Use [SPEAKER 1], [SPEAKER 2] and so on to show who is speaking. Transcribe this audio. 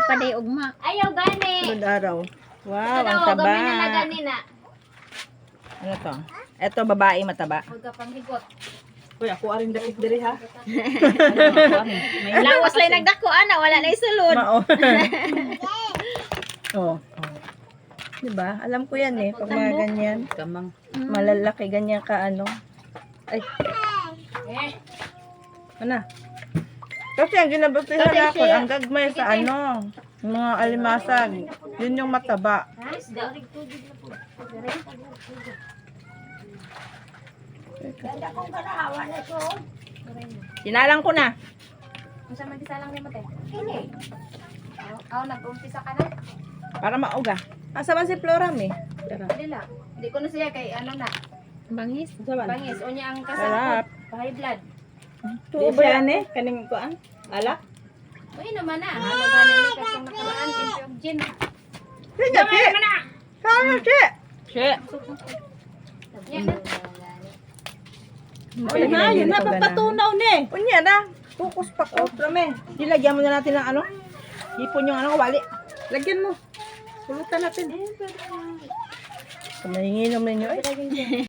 [SPEAKER 1] pa day ugma.
[SPEAKER 2] Ayaw gani.
[SPEAKER 3] Sunod araw. Wow, ang
[SPEAKER 2] Ano,
[SPEAKER 3] taba.
[SPEAKER 2] gabi na na gani na.
[SPEAKER 3] Ano to? Eto, babae mataba.
[SPEAKER 2] Huwag ka pang higot.
[SPEAKER 4] Uy, ako aring dakit diri ha.
[SPEAKER 1] Lawas lang nagdako ana, wala na isulod.
[SPEAKER 3] Mao. Oh. Diba? Alam ko yan eh. Pag mga ganyan.
[SPEAKER 4] Kamang.
[SPEAKER 3] Malalaki ganyan ka ano. Ay, ano? Kasi ang ginabasihan ako, ang gagmay sa ano, mga alimasag. Yun yung mataba.
[SPEAKER 2] Isda.
[SPEAKER 3] Sinalang ko na.
[SPEAKER 2] Masa mag-isa lang ni Mate? Kini. Oh, nag-umpisa ka na?
[SPEAKER 3] Para mauga. Asa man si Flora me?
[SPEAKER 2] Hindi lang. Hindi ko na siya kay ano na.
[SPEAKER 1] Bangis.
[SPEAKER 2] Bangis. O niya ang
[SPEAKER 3] Sarap.
[SPEAKER 2] kasapot. High blood.
[SPEAKER 3] Tuo ba yan eh? Kaning kuan? Alak?
[SPEAKER 2] Uy naman na. Ano gani ni katong nakaraan? Yung gin.
[SPEAKER 3] Sige, che! Kaya, che! Che!
[SPEAKER 2] Yan na.
[SPEAKER 4] Yun na, papatunaw ni.
[SPEAKER 3] Unya na. Focus pa ko. Prame. Dilagyan mo na natin ng ano? Hipon yung ano, wali.
[SPEAKER 4] Lagyan mo. Pulutan natin.
[SPEAKER 3] Kumahinginom ninyo eh.